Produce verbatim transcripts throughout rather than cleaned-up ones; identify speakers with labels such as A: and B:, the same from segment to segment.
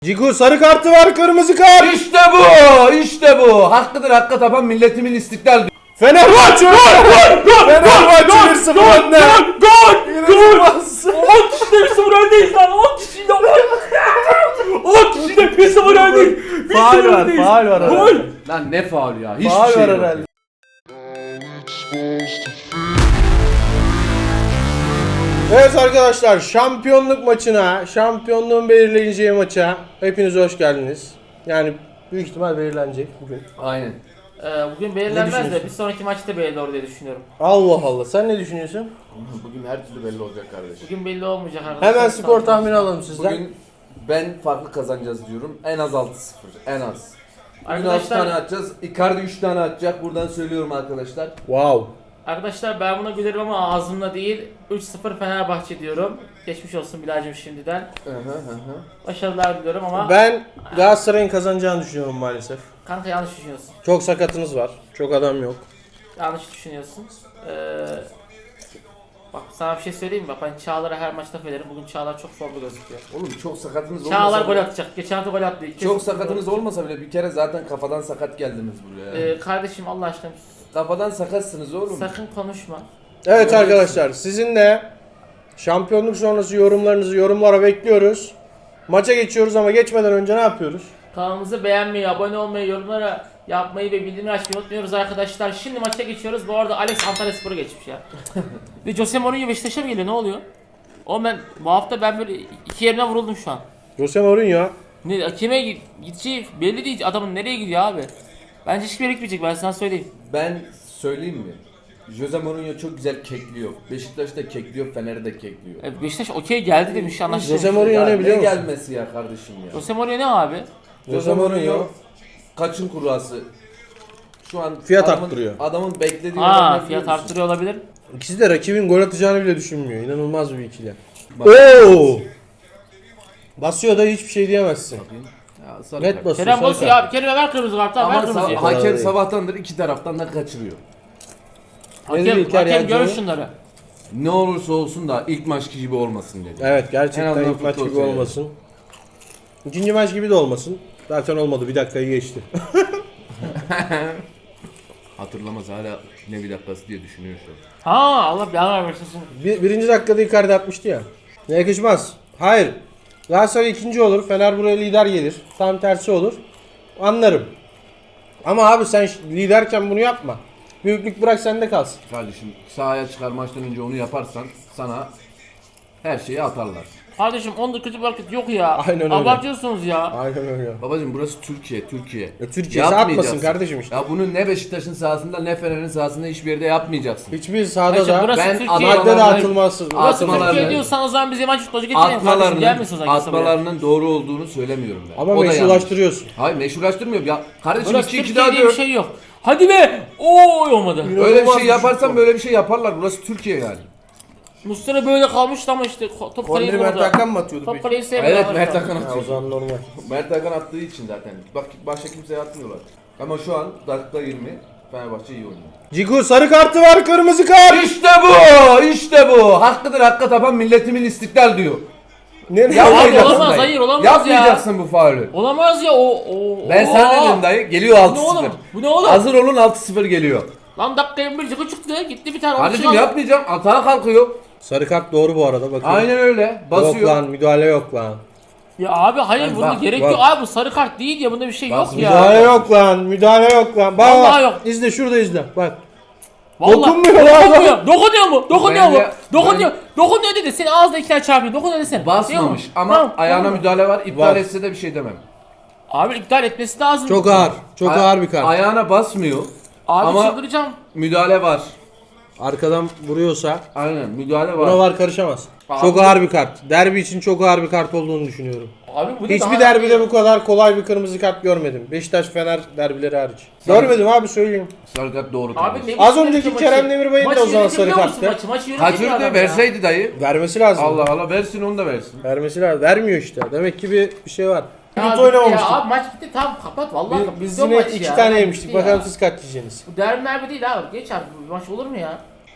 A: Ciku sarı kartı var, kırmızı kart.
B: İşte bu, işte bu. Hakkıdır hakka tapan milletimin istiklal diyor.
A: Fenerbahçe! Gol! Gol! Fenerbahçe bir sıfır önde.
C: Gol! Gol! on kişiyle bir sıfır öndeyiz lan. on kişiyle on kişiyle bir sıfır öndeyiz. Bir
A: Faul
C: sıfır
A: var,
C: öndeyiz.
A: faul var.
C: Gol!
B: Lan ne faul ya? Hiçbir
A: Faul
B: şey
A: var
B: yok.
A: herhalde. Evet arkadaşlar, şampiyonluk maçına, şampiyonluğun belirleneceği maça hepiniz hoş geldiniz. Yani büyük ihtimal belirlenecek bugün.
B: Aynen.
C: Ee, bugün belirlenmez de
A: düşünüyorsun?
C: bir sonraki maçta belli olur diye düşünüyorum.
A: Allah Allah, sen ne düşünüyorsun?
B: Bugün her türlü belli olacak kardeşim.
C: Bugün belli olmayacak arkadaşlar.
A: Hemen skor tahmini alalım sizden.
B: Bugün ben farklı kazanacağız diyorum. En az altı sıfır. En az. Bugün altı
C: Arkadaşlar-
B: tane atacağız. Icardi üç tane atacak. Buradan söylüyorum arkadaşlar.
A: Wow.
C: Arkadaşlar ben buna gülerim ama ağzımla değil. üç sıfır Fenerbahçe diyorum. Geçmiş olsun Bilal'cim şimdiden.
B: Hı hı hı hı.
C: Başarılar diliyorum ama
A: Ben Galatasaray'ın kazanacağını düşünüyorum maalesef.
C: kanka yanlış düşünüyorsun.
A: Çok sakatınız var. Çok adam yok.
C: Yanlış düşünüyorsun. Ee, bak sana bir şey söyleyeyim mi? Bak ben Çağlar'a her maç laf ederim. Bugün Çağlar çok formda gözüküyor.
B: Oğlum çok sakatınız olmasa
C: Çağlar gol
B: bile-
C: atacak. Geçen hafta gol attı. İki
B: Çok
C: kez-
B: sakatınız olmasa bile bir kere zaten kafadan sakat geldiniz buraya.
C: Ee, kardeşim Allah aşkına
B: Kafadan sakatsınız oğlum.
C: sakın konuşma.
A: Evet
B: Öyle
A: arkadaşlar, sizin de şampiyonluk sonrası yorumlarınızı yorumlara bekliyoruz. Maça geçiyoruz ama geçmeden önce ne yapıyoruz?
C: Kanalımızı beğenmeyi, abone olmayı, yorumlara yapmayı ve bildirimleri açmayı unutmuyoruz arkadaşlar. Şimdi maça geçiyoruz. Bu arada Alex Antalyaspor'a geçmiş ya. Ve Jose Mourinho Beşiktaş'a mı geliyor? Ne oluyor? O ben bu hafta ben böyle iki yerine vuruldum şu an.
A: Jose Mourinho.
C: Ne kime gideceği belli değil. Adamın nereye gidiyor abi? Bence hiçbir yere gitmeyecek, ben sana söyleyeyim.
B: Ben söyleyeyim mi? Jose Mourinho çok güzel kekliyor. Beşiktaş'ta kekliyor, Fener'de kekliyor.
C: E, Beşiktaş okey geldi demiş, anlaştık.
A: Jose Mourinho
B: Ya
A: ne biliyor musun?
B: gelmesi ya kardeşim ya.
C: Jose Mourinho ne abi?
A: Jose Mourinho
B: kaçın kurası? Şu an
A: Fiyat
B: adamın,
A: arttırıyor.
B: Adamın beklediği
C: Ha,
B: olan ne
C: fiyat
B: biliyor musun?
C: arttırıyor olabilir.
A: İkisi de rakibin gol atacağını bile düşünmüyor. İnanılmaz bir ikili.
B: Bak.
A: Oo! Basıyor da hiçbir şey diyemezsin.
B: Ya, sarı
A: Net
B: kart.
A: basıyor.
C: Kerem
A: sarı
C: basıyor
A: kart.
C: abi. Kerem'e ver kırmızı kartı abi, ver
B: Ama
C: kırmızıyı.
B: sa- hakem
A: değil.
B: sabahtandır iki taraftan da kaçırıyor.
A: Ne dedi
C: Hakem,
A: İlker
C: hakem
A: Yancı?
C: görür şunları.
B: Ne olursa olsun da ilk maç gibi olmasın dedi.
A: Evet,
B: En
A: gerçekten
B: azından
A: ilk maç
B: futbol
A: gibi
B: seyrediyor.
A: olmasın. İkinci maç gibi de olmasın. Zaten olmadı, bir dakikayı geçti.
B: Hatırlamaz hala ne bir dakikası diye düşünüyor şu an.
C: Ha, Allah belanı versin.
A: Bir, birinci dakikada Icardi atmıştı ya. Ne yakışmaz. Hayır. Galatasaray ikinci olur. Fener buraya lider gelir. Tam tersi olur. Anlarım. Ama abi sen ş- liderken bunu yapma. Büyüklük bırak sende kalsın.
B: Kardeşim sahaya çıkar maçtan önce onu yaparsan sana her şeyi atarlar.
C: Kardeşim on dakika bir hareket yok ya.
A: Aynen öyle.
C: Abartıyorsunuz ya.
A: Aynen öyle.
B: Babacım burası Türkiye, Türkiye.
A: Ya Türkiye
B: Yapmayacaksın.
A: atmasın kardeşim işte.
B: Ya bunu ne Beşiktaş'ın sahasında ne Fener'in sahasında hiçbir yerde yapmayacaksın.
A: Hiçbir sahada
C: Kardeşim,
A: da
C: burası
B: ben
C: Türkiye.
B: adamlar-
A: madde dağıtılması.
C: Burası
B: Atmalarını-
C: Türkiye diyorsan o zaman bize yabancı futbolcu getirin kardeşim.
B: Atmalarının,
C: Gelmesin o zaman kimse buraya.
B: atmalarının doğru olduğunu söylemiyorum ben.
A: Ama
B: O da
A: meşrulaştırıyorsun.
B: yanlış. Hayır meşrulaştırmıyorum ya. Kardeşim
C: Burası
B: iki iki
C: Türkiye
B: daha
C: diye bir
B: diyor.
C: şey yok. Hadi be! Oy olmadı.
B: Öyle bir
A: İnanılmaz
B: şey
A: bir
B: yaparsan
A: şut bu.
B: böyle bir şey yaparlar. Burası Türkiye yani.
C: Muslera böyle kalmıştı ama işte ko- top kaleyi
A: Korneri Mert
C: vurdu.
A: Hakan mı atıyordu
C: Top
A: peki?
C: kaleyi sevmiyor.
B: Evet Mert Hakan
A: Ya, o
B: atıyor.
A: zaman normal.
B: Mert Hakan attığı için zaten. Bak başka kimseye atmıyorlar. Ama şu an dakika yirmi Fenerbahçe iyi oynuyor.
A: Ciku sarı kartı var, kırmızı kart.
B: İşte bu! İşte bu! Hakkıdır hakka tapan milletimin istiklal diyor.
A: Nereye?
C: Abi
B: Yapmayacaksın
C: olamaz,
B: dayı.
C: hayır, olamaz ya.
B: Yapmayacaksın bu faulü.
C: Olamaz ya o o.
B: Ben
C: o-
B: sana dedim dayı. Geliyor
C: Bu ne
B: altı sıfır.
C: oğlum? Bu ne oğlum?
B: Hazır olun altı sıfır geliyor.
C: Lan dakika yirmi bir çıktı çıktı gitti bir tane.
B: Kardeşim
C: aldı.
B: yapmayacağım. Atağa kalkıyor.
A: Sarı kart doğru bu arada, bakın.
B: Aynen öyle.
A: Yok
B: Basıyor.
A: lan, müdahale yok lan.
C: Ya abi hayır
B: Ben
C: buna
B: bak,
C: gerek
A: bak.
C: yok abi, bu sarı kart değil ya, bunda bir şey
B: Bak,
C: yok ya.
A: Müdahale yok lan, müdahale yok lan. Bak
C: Vallahi
A: bak,
C: yok.
A: izle şurada izle. Bak.
C: Vallahi
A: Dokunmuyor lan.
C: Dokunuyor. Dokunuyor mu? Dokunuyor mu?
B: Bence-
C: Dokunuyor. Dokunuyor dedi. Seni ağzına iki tane çarpıyor. Dokunuyor desene. Değil
B: Basmamış
C: mi?
B: ama
C: Tamam,
B: ayağına
C: tamam.
B: müdahale var. İptal
A: Var.
B: etse de bir şey demem.
C: Abi iptal etmesi lazım.
A: Çok ağır, çok
B: Ay-
A: ağır bir kart.
B: Ayağına basmıyor.
C: Abi
B: Ama-
C: çıldıracağım.
B: Müdahale var.
A: Arkadan vuruyorsa
B: Aynen müdahale var.
A: buna var karışamaz.
B: Abi-
A: Çok ağır bir kart. Derbi için çok ağır bir kart olduğunu düşünüyorum.
C: Abi bu ne
A: Hiçbir
C: daha-
A: derbide bu kadar kolay bir kırmızı kart görmedim. Beşiktaş Fener derbileri hariç. Görmedim abi, söyleyeyim.
B: Sarı kart doğru.
C: Abi
B: kardeşim.
C: ne
A: Az
C: biçim
A: önceki
C: yönetiyor
A: Kerem
C: maçı?
A: Demirbay'ın da
C: Maçı
A: o zaman sarı
C: yönetiyor musun
A: karttı.
C: Maçı, maçı yönetiyor
B: Kaçırdı
C: adam ya.
B: verseydi dayı.
A: Vermesi lazım.
B: Allah Allah versin onu da versin.
A: Vermesi lazım. Vermiyor işte. Demek ki bir, bir şey var.
C: Ya
A: Hiç
C: bitti
A: oynamamıştık.
C: Ya abi maç bitti, tamam kapat vallahi.
A: Biz,
C: kapat.
A: biz
C: Son
A: yine
C: maç
A: iki
C: ya.
A: tane
C: Bitti
A: yemiştik.
C: ya.
A: Bakalım siz kaç yiyeceksiniz.
C: Bu derbi merbi değil abi. Geç abi, bu maç olur mu ya?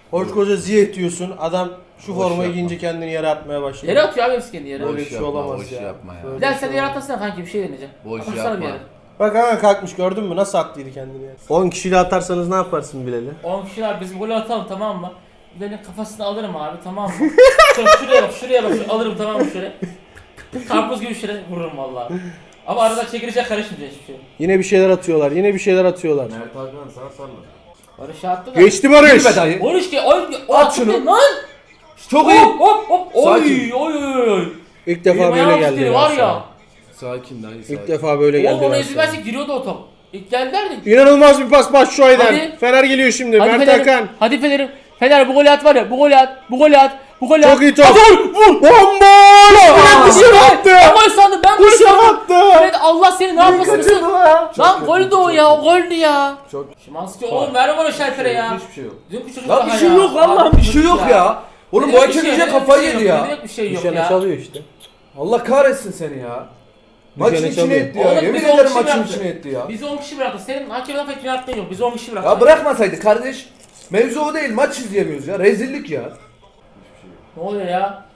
A: Koskoca Ziyech diyorsun. Adam şu
B: Boş
A: formayı
B: yapma.
A: giyince kendini yere atmaya başladı.
C: Yere atıyor abi hepsi kendi yere.
A: Böyle
B: Boş
A: bir şey
B: yapma,
A: olamaz
B: boş
A: ya.
B: yapma ya.
A: Böyle
C: Bilal
A: bir
C: sen de
A: şey
C: yere
A: olamaz.
C: atlasana kanki bir şey deneyeceğim.
B: Boş
C: Atsana
B: yapma.
C: bir yere.
A: Bak hemen kalkmış gördün mü? Nasıl attıydı kendini ya. on kişiyle atarsanız ne yaparsın Bilal'i?
C: on kişiler bizim golü atalım tamam mı? Bilal'in kafasını alırım abi tamam mı? Şöyle şuraya bak şuraya bak şöyle alırım tamam mı şöyle. Karpuz gibi şöyle vururum vallahi. Ama arada çekilecek karışmayacak hiçbir şey.
A: Yine bir şeyler atıyorlar. Yine bir şeyler atıyorlar.
B: Mert Hakan sağ sarla.
C: Barış attı da.
A: Geçti Barış.
B: Gülme dayı.
C: Barış ki oy o
B: At
C: attı
B: şunu.
C: Lan!
B: Çok iyi.
C: Hop hop hop oy
B: Sakin.
C: oy oy oy.
A: İlk defa
C: Benim
A: böyle
C: ayağım
A: geldi.
C: titriyor
A: ya
C: var
A: sana.
C: ya.
B: Sakin dayı sakin.
A: İlk defa böyle geldi.
C: Oğlum onu
A: ya
C: ezilmezse
A: sana.
C: giriyordu o top. İlk geldilerdi.
A: İnanılmaz bir pas Başşuay'dan.
C: Hadi.
A: Fener geliyor şimdi.
C: Hadi
A: Mert
C: Fener'im.
A: Hakan.
C: Hadi Fener'im. Fener bu golü at var ya. Bu golü at. Bu golü at. Bu golü at.
A: Çok iyi top.
C: Hadi vur. Vur.
A: Bomboş! Fred dışarı attı.
C: Ben gol sandım. Ben gol
A: Dışarı
C: sandım.
A: attı.
C: Fred Allah seni ne yapmasın?
A: Kaçırdı lan.
C: Lan gol de o ya. O goldü ya.
B: Çok.
C: Şimanski oğlum ver bana şaltere ya.
B: Hiçbir şey yok.
C: Dünkü çocuk
B: Lan
C: daha
B: bir şey
C: ya.
B: yok vallahi
C: Abi,
B: bir şey yok ya. Oğlum bu
C: Ne demek bir
B: hakem
C: şey,
B: iyice
C: ne demek
B: kafayı
C: bir şey
B: yedi
C: yok,
B: ya.
C: ne demek bir şey yok
A: Düşene
C: ya.
A: çalıyor işte.
B: Allah kahretsin seni ya. Maçın
A: Düşene
B: içine
A: çalıyor.
B: etti ya.
C: Oğlum
B: Yemin
C: bizi on
B: ederim
C: kişi
B: maçın
C: bıraktı.
B: içine etti ya.
C: Bizi on kişi bıraktı. Senin hakemden pek yaptığın yok. Bizi on kişi bıraktı.
B: Ya bırakmasaydı kardeş. Mevzu o değil. Maç izleyemiyoruz ya. Rezillik ya.
C: Ne oluyor ya?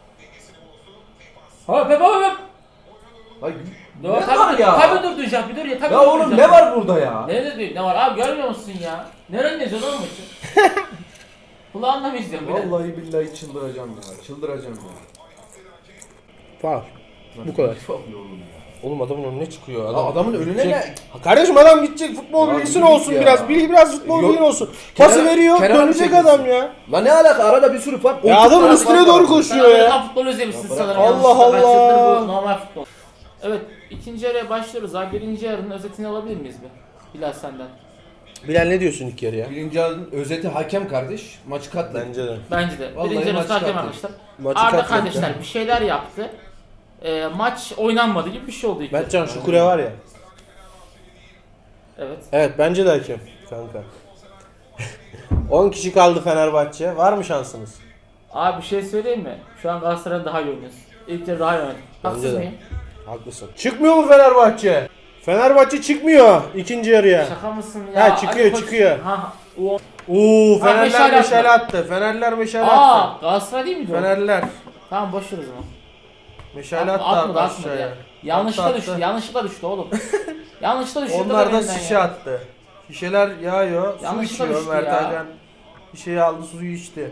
C: Hop hop hop hop.
B: Ay,
C: Ne
B: ne
C: var
B: var ya?
C: Tabii durduracak bir dur ya. Tabii
B: Ya oğlum
C: durduracak.
B: ne var burada ya?
C: Ne dedi? Ne var abi görmüyor musun ya? Nereden yazıyor lan maçı? Kulağınla mı izliyorsun bir de?
B: Vallahi billahi çıldıracağım ya. Çıldıracağım ya.
A: Faul. Bu kadar.
B: Çok yoruldum ya.
A: Oğlum adamın önüne çıkıyor.
B: Ya
A: Adam,
B: adamın önüne
A: gidecek.
B: ne?
A: Ha Kardeşim adam gidecek futbol
B: Ya
A: bilgisi
B: yürü
A: olsun
B: git ya.
A: biraz. Bilgi biraz futbol
B: Yok.
A: bilgin olsun. Pası
B: Kenara-
A: veriyor
B: kenara mı
A: dönecek
B: çekilsin?
A: adam ya.
B: La ne alaka arada bir sürü fark.
A: Ya
B: Otuz
A: adamın
B: tane
A: üstüne
B: fark
A: doğru
B: var.
A: koşuyor
C: Sen
A: ya.
C: Amerikan futbolu izlemişsin
B: Ya bırak.
C: sanırım.
A: Allah
C: yanlışlıkla. Kaç yıldır
A: Allah.
C: bu normal futbol. Evet ikinci yarıya başlıyoruz abi. Birinci yarının özetini alabilir miyiz bir? Bilal senden.
A: Bilal ne diyorsun ilk yarı ya?
B: Birinci yarının özeti hakem kardeş. Maçı katladı.
A: Bence de.
C: Bence de.
B: Vallahi
C: Birinci yarı
B: maçı
C: hakem
B: katletti.
C: arkadaşlar.
A: Maçı
C: Arda
A: katletti.
C: kardeşler bir şeyler yaptı. Ee, maç oynanmadı gibi bir şey oldu ilk yarı.
A: Mertcan şu kule var ya.
C: Evet.
A: Evet bence de hakem kanka. on kişi kaldı Fenerbahçe. Var mı şansınız?
C: Abi bir şey söyleyeyim mi? Şu an Galatasaray'ın daha iyi oynuyoruz. İlk yarı daha iyi oynadık. Haksız
A: Bence de.
C: mıyım?
A: Haklısın. Çıkmıyor mu Fenerbahçe? Fenerbahçe çıkmıyor ikinci yarıya.
C: Şaka mısın ya?
A: Ha, çıkıyor,
C: Ali Koç-
A: çıkıyor.
C: Ha, o...
A: Oo
C: Ha,
A: Fenerler
C: meşale
A: meşale
C: attı.
A: attı. Fenerler meşale attı.
C: Aa, Galatasaray değil miydi o?
A: Fenerler
C: Tamam boş ver o zaman.
A: meşale
C: Atma,
A: attı
C: atmadı, atmadı
A: aşağıya.
C: ya. Yanlışlıkla
A: Attı,
C: düştü,
A: attı.
C: yanlışlıkla düştü oğlum. yanlışlıkla düştü.
A: Onlar da şişe attı. Şişeler yağıyor. Su
C: Yanlışlıkla
A: içiyor
C: düştü
A: Mert
C: ya.
A: Hakan. Şişeyi aldı suyu içti.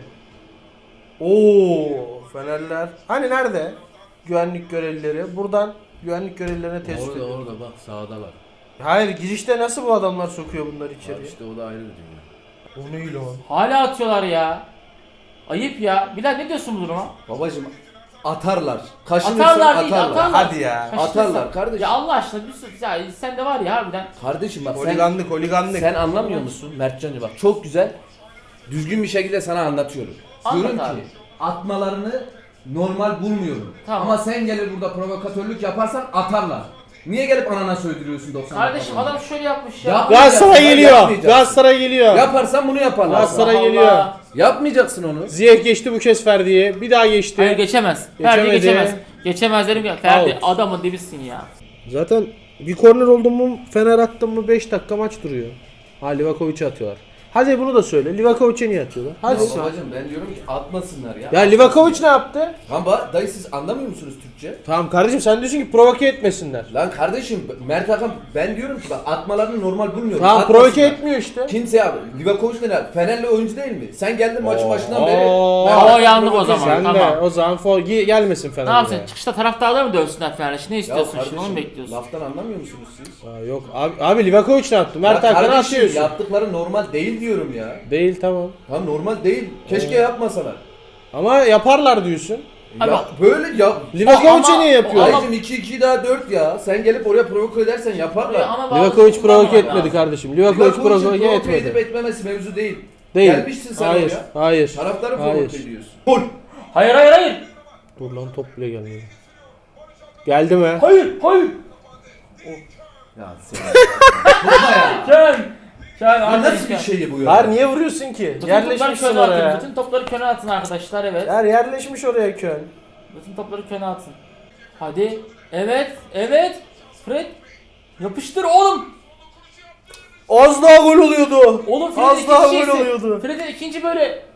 A: Oo Fenerler. Hani nerede? Güvenlik görevlileri. Buradan güvenlik görevlilerine tespit
B: Orada
A: ediyor.
B: orada bak sağdalar.
A: Hayır girişte nasıl bu adamlar sokuyor bunları içeriye?
B: Abi işte o da ayrı bir dünya.
A: O ne lan?
C: Hala atıyorlar ya. Ayıp ya. Bilal ne diyorsun bu duruma?
B: Babacım atarlar. Kaşınırsan
C: Atarlar
B: atarlar.
C: değil, atarlar.
A: Hadi ya.
C: Kaçırırsan-
B: Atarlar kardeşim.
C: Ya Allah aşkına bir sürü, ya sen de var ya harbiden.
B: Kardeşim bak sen,
A: Holiganlık holiganlık.
B: sen anlamıyor musun Mertcan'cı bak çok güzel düzgün bir şekilde sana anlatıyorum.
C: Anlat
B: Diyorum
C: abi.
B: ki atmalarını normal bulmuyorum.
C: Tamam.
B: Ama sen gelir burada provokatörlük yaparsan atarlar. Niye gelip anana söydürüyorsun doksan
C: Kardeşim
B: dakika
C: adam şöyle yapmış ya.
B: Yap-
A: Galatasaray
B: Yapmayacaksın,
A: geliyor.
B: yapmayacaksın.
A: Galatasaray geliyor.
B: boyunca? Yaparsan bunu yaparlar.
A: Galatasaray
C: Allah
A: geliyor.
C: Allah.
B: Yapmayacaksın onu.
A: Ziyech geçti bu kez Ferdi'ye. Bir daha geçti.
C: Hayır geçemez. Ferdi
A: Geçemedi.
C: geçemez. Geçemez dedim ya. Ferdi
A: Out.
C: adamın dibisin ya.
A: Zaten bir korner oldu mu Fener attı mı beş dakika maç duruyor. Ha Livakovic'e atıyorlar. Hadi bunu da söyle. Livakovic'e niye atıyorlar? Hadi.
B: Ya babacım ben diyorum ki atmasınlar ya.
A: Ya Livakovic ne yaptı?
B: Ama dayı siz anlamıyor musunuz Türkçe?
A: Tamam kardeşim sen diyorsun ki provoke etmesinler.
B: Lan kardeşim Mert Hakan ben diyorum ki bak atmalarını normal bulmuyorum.
A: Tamam
B: Atmasınlar.
A: provoke etmiyor işte.
B: Kimse abi. Livakovic ne lan? Fenerli oyuncu değil mi? Sen geldin maçın başından beri.
A: Oo.
B: Mert
C: Oo,
B: Hakan
C: yandık o
B: provoke
C: zaman.
B: ediyor.
A: Sen de
C: Tamam.
A: o zaman for, gi- gelmesin Fener'e.
C: Ne yapsın? Çıkışta taraftarlar mı dövsünler Fener'e? Ne
B: Ya
C: istiyorsun
B: kardeşim
C: şimdi? Onu mu bekliyorsun?
A: Laftan
B: laftan anlamıyor musunuz siz?
A: Aa, yok abi, abi Livakovic ne yaptı? Mert
B: Ya
A: Hakan'ı
B: kardeşim
A: atıyorsun.
B: yaptıkları normal değil diyorum ya.
A: Değil tamam.
B: Ha normal değil. Keşke yapmasalar.
A: Ama yaparlar diyorsun.
C: Abi-
B: Ya böyle ya.
A: Livakovic'e
C: Ama-
A: niye yapıyor?
C: ama-
B: Abicim iki iki daha dört ya. Sen gelip oraya provoke edersen yaparlar.
C: Ama bazı
A: Livakovic provoke
C: kullanmamak
A: etmedi
C: lazım.
A: kardeşim. Livakovic
B: Livakovic'in
A: provoke
B: provoke edip
A: etmedi.
B: etmemesi mevzu değil.
A: Değil.
B: Gelmişsin sen
A: hayır,
B: oraya.
A: hayır.
B: Taraftarı
A: hayır.
B: provoke ediyorsun. Gol.
C: Hayır hayır hayır.
A: Dur lan top bile gelmedi. Geldi mi?
C: Hayır hayır.
B: Ya sen. Vurma ya.
C: Ken. Ken
B: Ya
C: arkadaşlar.
B: nasıl bir şey bu ya?
A: Hayır niye vuruyorsun ki?
C: Bütün topları
A: Yerleşmişsin
C: köne atın.
A: oraya.
C: Bütün topları köne atın arkadaşlar evet.
A: Yer yerleşmiş oraya Köln.
C: Bütün topları köne atın. Hadi. Evet. Evet. Fred. Yapıştır oğlum.
A: Az daha gol oluyordu.
C: Oğlum Fred'in
A: Az
C: ikinci
A: daha gol
C: şeysi.
A: oluyordu.
C: Fred'in ikinci böyle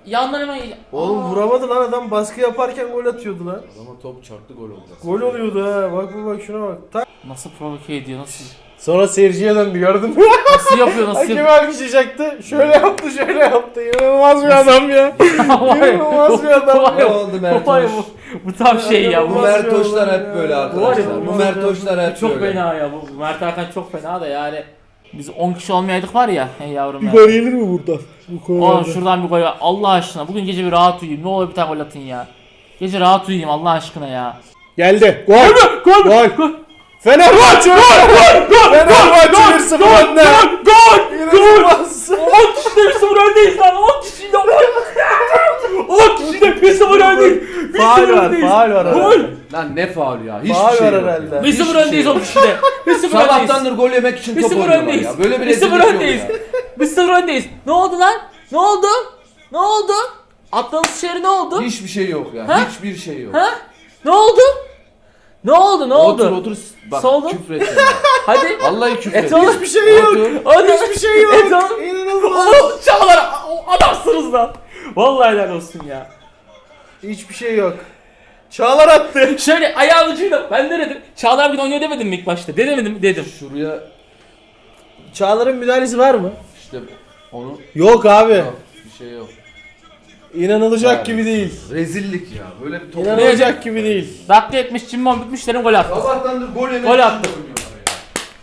C: yandan hemen...
A: Oğlum
C: Aa.
A: vuramadı lan adam, baskı yaparken gol atıyordu lan.
B: Adama top çarptı gol oldu.
A: Gol oluyordu ha. Bak bak bak şuna bak. Tak.
C: Nasıl provoke ediyor, nasıl?
A: Sonra seyirciye döndü, gördün mü?
C: Nasıl yapıyor, nasıl
A: Hakem
C: yapıyor?
A: alkışlayacaktı. Şöyle yaptı, şöyle yaptı. İnanılmaz bir adam ya. İnanılmaz bir adam
B: Ne
A: ya.
B: oldu Mert
C: Vay
B: Hoş?
C: bu, bu tam şey ya.
B: Bu
C: Bu,
B: Mert Hoşlar
A: ya.
B: hep böyle
C: Bu var
B: arkadaşlar.
C: ya,
B: Bu
C: bu
B: Mert Hoşlar hep
C: çok
B: böyle.
C: fena ya. Bu Mert Hakan çok fena da yani. Biz on kişi olmayaydık var ya. Hey yavrum ya.
A: Bir gol gelir mi buradan? Bu
C: Oğlum
A: konuda.
C: şuradan bir gol ver. Allah aşkına. Bugün gece bir rahat uyuyayım. Ne olur bir tane gol atın ya. Gece rahat uyuyayım Allah aşkına ya.
A: Geldi. Gol. Gol. Gol. Gol. Fenerbahçe. Gol. Gol. Fenerbahçe bir sıfır önde.
C: Gol!
A: İnanılmaz.
C: on kişide bir sıfır öndeyiz lan. on kişide on kişide bir sıfır öndeyiz. bir
A: Faul
C: sıfır
A: var.
C: öndeyiz.
A: Faul var.
C: Gol!
B: Lan ne faul ya? Hiçbir
A: Faul
B: şey
A: var
B: yok
A: herhalde.
B: ya.
C: bir sıfır
B: Hiçbir şey
C: öndeyiz
B: yok.
C: on kişide. bir sıfır öndeyiz.
B: Sabahtandır gol yemek için
C: bir
B: top
C: sıfır
B: oynuyorlar
C: öndeyiz.
B: ya. Böyle bir
C: bir sıfır
B: rezillik yok
C: öndeyiz.
B: ya.
C: bir sıfır öndeyiz. Ne oldu lan? Ne oldu? Ne oldu? Attığınız şehri ne oldu?
B: Hiçbir şey yok ya.
C: Ha?
B: Hiçbir şey yok.
C: Ha? Ne oldu? Ne oldu? Ne oldu?
B: Otur otur. Bak
C: Soldu.
B: küfür et ya.
C: Hadi.
B: Vallahi küfür
C: Et
B: et.
C: oğlum.
A: Hiçbir şey yok.
B: Otur.
C: Hadi.
A: Hiçbir şey yok.
C: Et oğlum.
A: İnanılmaz.
C: Oo, Çağlar o- adamsınız lan. Vallahi helal olsun ya.
A: Hiçbir şey yok. Çağlar attı.
C: Şöyle ayağı ucuyla ben ne dedim? Çağlar bugün oynuyor demedim mi ilk başta? Demedim mi? Dedim.
B: Şuraya
A: Çağlar'ın müdahalesi var mı?
B: işte onu
A: Yok abi.
B: yok. Bir şey yok.
A: İnanılacak
B: Yani.
A: gibi değil.
B: Rezillik ya. Böyle bir top.
A: İnanılacak gibi değil.
C: Dakika yetmiş cimbom bitmiş dedim gol attı.
B: Sabahtandır gol yemek
C: Gol
B: için
C: attı.
B: oynuyorlar ya.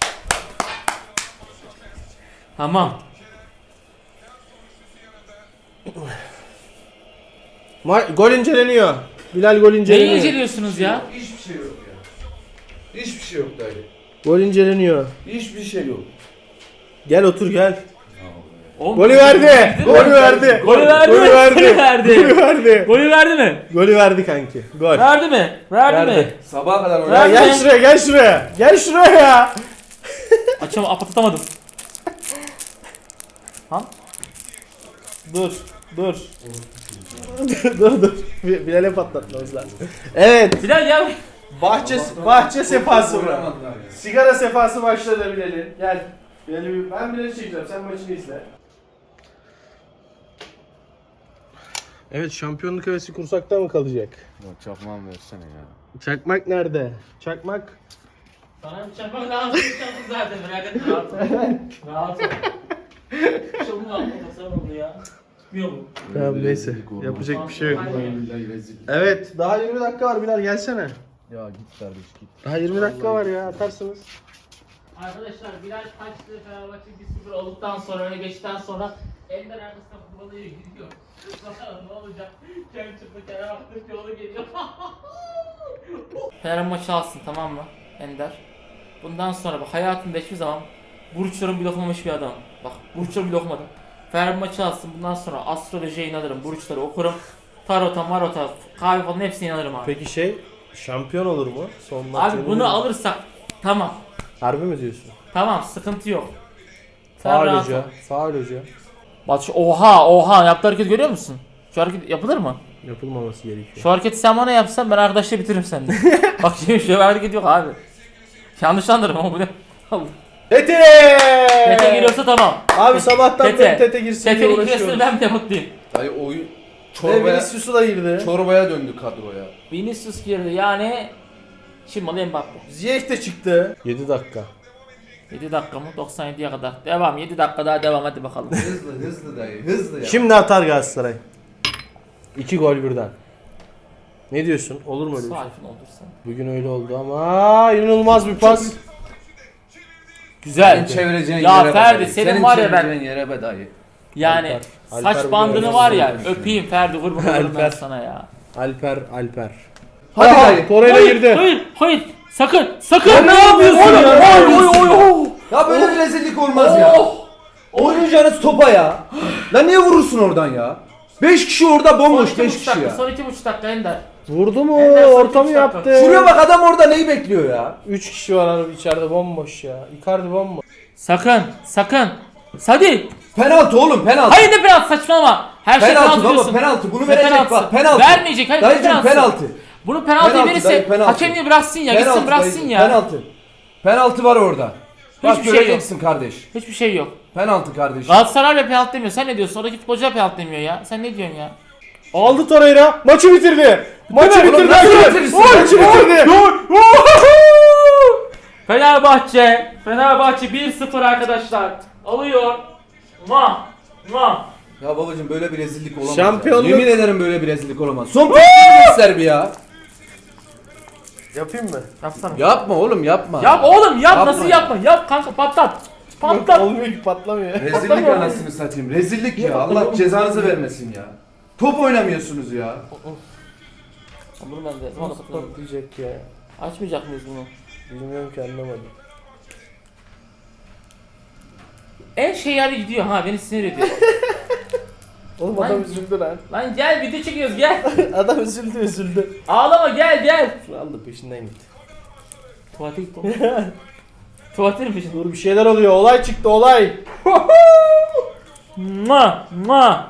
C: Tamam.
A: Ma- gol inceleniyor. Bilal gol
C: Neyi
A: inceleniyor.
C: inceliyorsunuz ya?
B: Hiçbir şey yok ya. Hiçbir şey yok dayı.
A: Gol inceleniyor.
B: Hiçbir şey yok.
A: Gel otur gel.
C: Oğlum,
A: Golü verdi.
C: Gol
A: Golü verdi.
C: Golü verdi.
A: Golü verdi.
C: Golü verdi.
A: Golü verdi.
C: Golü verdi mi?
A: Golü verdi kanki. Gol.
C: Verdi mi? Verdi, mi?
A: Verdi.
B: Sabaha kadar
A: Ya
B: oynadı.
C: Verdi.
A: gel şuraya gel şuraya. Gel şuraya ya.
C: Açam apatamadım. Ha?
A: Dur. Dur. dur dur. Bi- Bilal'e patlatmamız lazım. Evet.
C: Bilal ya.
A: Bahçe bahçe sefası bu.
B: Oynamadılar ya.
A: Sigara sefası başladı Bilal'in. Gel. Bilal'i bir- ben Bilal'i çekeceğim. Sen maçını izle. Evet, şampiyonluk hevesi kursakta mı kalacak?
B: Ya çakmağımı versene ya.
A: Çakmak nerede? Çakmak.
C: Sana bir çakmak lazım. Çakmak zaten merak etme rahat ol. Rahat ol. Şunu yapma sen oldu ya. Tutmuyor mu?
A: Tamam neyse.
B: Rezillik olmaz.
A: Yapacak bir şey yok.
B: Billahi rezillik.
A: Evet, daha yirmi dakika var Bilal, gelsene.
B: Ya git kardeş git.
A: Daha yirmi dakika var ya, atarsınız.
C: Arkadaşlar Bilal kaçtı Fenerbahçe bir sıfır olduktan sonra öne geçtikten sonra Ender arkasına futbola gidiyor. Bakalım ne olacak? Kem çıktı Kerem Aktürk yolu geliyor. Fener maçı alsın tamam mı Ender? Bundan sonra bak hayatımda hiçbir zaman burçlarım bile okumamış bir adam. Bak burçlarım bile okumadım. Fener maçı alsın bundan sonra astrolojiye inanırım, burçları okurum. Tarota, marota, kahve falan hepsine inanırım abi.
A: Peki şey, şampiyon olur mu? Son maç
C: Abi
A: yenildi
C: bunu
A: mi?
C: alırsak tamam.
A: Harbi mi diyorsun?
C: Tamam sıkıntı yok. Sen
A: Faul
C: rahat
A: hoca,
C: ol.
A: faul hoca.
C: Bak şu oha oha yaptığı hareketi görüyor musun? Şu hareket yapılır mı?
A: Yapılmaması gerekiyor.
C: Şu hareketi sen bana yapsan ben arkadaşla bitiririm seninle. Bak şimdi şöyle bir hareket yok abi. Yanlış anlarım ama bu ne?
A: Tete!
C: Tete giriyorsa tamam.
A: Abi sabahtan
C: Tete.
A: beri Tete girsin diye
C: Tete'nin
A: uğraşıyoruz.
C: giresini ben bile mutluyum.
B: Dayı oyun
A: Ve
B: çorbaya,
A: Vinicius'u da girdi.
B: çorbaya döndü kadroya.
C: Vinicius girdi yani. Şimdi Mbappe.
A: Ziyech de çıktı. yedi dakika.
C: yedi dakika mı? doksan yediye kadar. Devam yedi dakika daha devam hadi bakalım.
B: Hızlı hızlı dayı hızlı ya.
A: Şimdi atar Galatasaray. İki gol birden. Ne diyorsun? Olur mu öyle bir şey?
C: Sakin olursan.
A: Bugün öyle oldu ama inanılmaz bir pas.
C: Güzel.
B: Senin çevireceğin
C: Ya
B: yere be
C: Ferdi,
B: dayı.
C: senin var ya ben-
B: çevireceğin yere be dayı.
C: Yani
A: Alper-
C: saç
A: Alper
C: bandını
A: bugün
C: var ya
B: öyle
C: öpeyim Ferdi kurban olurum ben
A: Alper.
C: sana ya.
A: Alper, Alper.
B: Hadi
A: Aha,
B: dayı.
A: Torreira
C: Hayır,
A: girdi.
C: hayır, hayır. Sakın, sakın.
A: Ya ne yapıyorsun
C: Oy,
A: ya?
C: Oy, oy, oy, oy.
B: Ya böyle bir rezillik olmaz ya.
C: Oh.
B: Oynayacağınız topa ya. Lan niye vurursun oradan ya? beş kişi orada
C: Son
B: bomboş
C: iki
B: beş
C: buçuk
B: kişi
C: dakika,
B: ya.
C: son iki buçuk dakika Ender.
A: Vurdu mu?
C: Ender son
A: Orta mı
C: iki dakika.
A: yaptı?
B: Şuraya bak adam orada neyi bekliyor ya?
A: üç kişi var abi içeride, bomboş ya. Icardi bomboş.
C: Sakın, sakın. Hadi.
B: Penaltı oğlum penaltı.
C: Hayır ne penaltı saçmalama. Her şey
B: Penaltı
C: penaltı
B: baba,
C: diyorsun.
B: penaltı. Bunu
C: Ne
B: verecek
C: penaltısı?
B: bak, penaltı.
C: Vermeyecek hayır ne
B: Dayıcım
C: penaltısı?
B: penaltı.
C: Bunu penaltı
B: Penaltı,
C: verirse
B: dayı, penaltı.
C: hakem niye bıraksın ya
B: Penaltı
C: gitsin bıraksın
B: dayıcım,
C: ya.
B: Penaltı. Penaltı var orada. Bak
C: Hiçbir şey yok.
B: göreceksin kardeş.
C: Hiçbir şey yok.
B: Penaltı kardeş.
C: Galatasaray bile penaltı demiyor. Sen ne diyorsun? Oradaki futbolcular penaltı demiyor ya. Sen ne diyorsun ya?
A: Aldı Torreira. Maçı bitirdi. Maçı
B: Oğlum
A: bitirdi.
B: nasıl
A: Maçı
B: bitirirsin?
A: bitirdi.
C: Fenerbahçe. Fenerbahçe bir sıfır arkadaşlar. Alıyor. Ma. Ma.
B: Ya babacım böyle bir rezillik olamaz.
A: Şampiyonluk-
B: Ya. Yemin ederim böyle bir rezillik olamaz. Son bir göster bir ya.
A: Yapayım mı?
C: Yapsana.
B: Yapma oğlum yapma.
C: Yap oğlum yap.
B: Yapma
C: Nasıl
B: ya.
C: yapma? Yap kanka patlat.
A: Yok,
C: Patlat.
A: olmuyor ki patlamıyor.
B: Rezillik anasını satayım. Rezillik ya. Allah cezanızı vermesin ya. Top oynamıyorsunuz ya.
C: Bunu ben de. Zaman da kapatıyorum.
A: Patlayacak ya.
C: Açmayacak mıyız bunu?
A: Bilmiyorum ki anlamadım.
C: En şey yani gidiyor ha beni sinir ediyor.
A: Oğlum
C: Lan-
A: adam üzüldü lan.
C: Lan gel video çekiyoruz gel.
A: Adam üzüldü üzüldü.
C: Ağlama gel gel.
A: Şunu al da peşinden git.
C: Tuvalete git oğlum. Tuvalete mi peşin?
A: Dur bir şeyler oluyor. Olay çıktı olay.
C: Ma ma.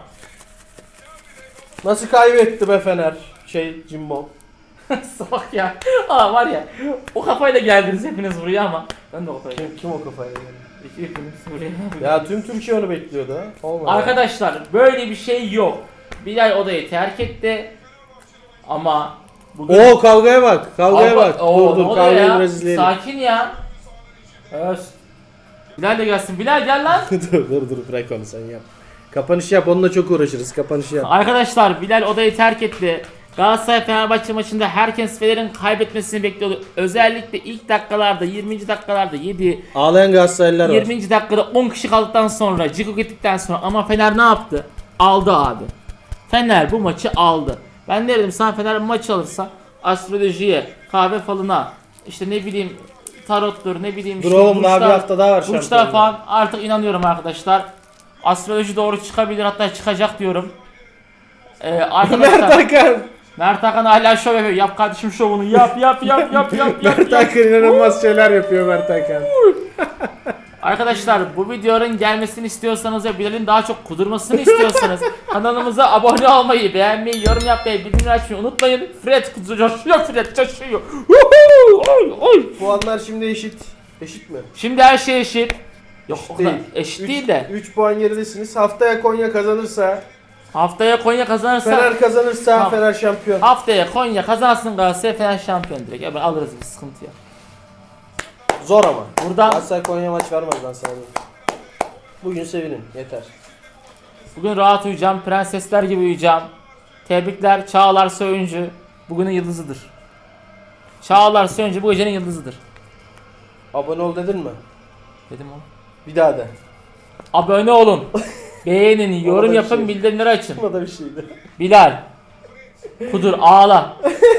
A: Nasıl kaybetti be Fener? Şey Jimbo.
C: Salak ya. Aa var ya. O kafayla geldiniz hepiniz buraya ama. Ben de o kafayla geldim.
A: Kim, kim o kafayla geldi?
C: Hepiniz buraya.
A: Ya tüm Türkiye onu bekliyordu ha. Olmadı.
C: Arkadaşlar böyle bir şey yok. Bilal odayı terk etti. Ama bugün...
A: Oo kavgaya bak. Kavgaya
C: Abi,
A: bak.
C: oo,
A: dur
C: ne
A: dur
C: oluyor
A: kavgayı
C: ya?
A: biraz izleyelim.
C: Sakin ya. Evet. Bilal de gelsin. Bilal gel lan.
A: dur dur dur bırak onu sen yap. Kapanışı yap onunla çok uğraşırız. Kapanışı yap.
C: Arkadaşlar Bilal odayı terk etti. Galatasaray Fenerbahçe maçında herkes Fener'in kaybetmesini bekliyordu. Özellikle ilk dakikalarda yirminci dakikalarda yedi.
A: Ağlayan Galatasaraylılar var.
C: yirminci dakikada on kişi kaldıktan sonra Ciko gittikten sonra ama Fener ne yaptı? Aldı abi. Fener bu maçı aldı. Ben ne dedim sana Fener bu maçı alırsa astrolojiye, kahve falına, işte ne bileyim tarottur ne bileyim
A: Dur oğlum daha bir hafta daha var
C: burçlar
A: şampiyonluğa.
C: falan artık inanıyorum arkadaşlar. Astroloji doğru çıkabilir hatta çıkacak diyorum. Ee,
A: Mert
C: arkadaşlar
A: Hakan.
C: Mert Hakan hala şov yapıyor. Yap kardeşim şovunu yap yap yap yap yap yap.
A: Mert
C: yap.
A: Hakan inanılmaz şeyler yapıyor Mert Hakan.
C: Arkadaşlar bu videonun gelmesini istiyorsanız ve Bilal'in daha çok kudurmasını istiyorsanız kanalımıza abone olmayı, beğenmeyi, yorum yapmayı, bildirimleri açmayı unutmayın. Fred coşuyor, Fred coşuyor. Oy, oy.
A: Puanlar şimdi eşit. Eşit mi?
C: Şimdi her şey eşit. Yok
A: Eşit
C: o kadar
A: değil.
C: eşit
A: Üç-
C: değil de.
A: üç puan geridesiniz. Haftaya Konya kazanırsa,
C: Haftaya Konya kazanırsa
A: Fener kazanırsa
C: Tamam.
A: Fener şampiyon.
C: haftaya Konya kazansın Galatasaray Fener şampiyon direkt. Ya ben alırız bir sıkıntı yok.
A: Zor ama.
C: Buradan
A: Galatasaray Konya maç vermez lan sana. diyeyim. Bugün sevinin yeter.
C: bugün rahat uyuyacağım, prensesler gibi uyuyacağım. Tebrikler Çağlar Söyüncü bugünün yıldızıdır. Çağlar Söyüncü bu gecenin yıldızıdır.
A: Abone ol dedin mi?
C: Dedim oğlum.
A: Bir daha de.
C: Abone olun. Beğenin, yorum
A: bir
C: yapın,
A: şey.
C: bildirimleri açın.
A: Bu da bir şeydi.
C: Bilal. Kudur ağla.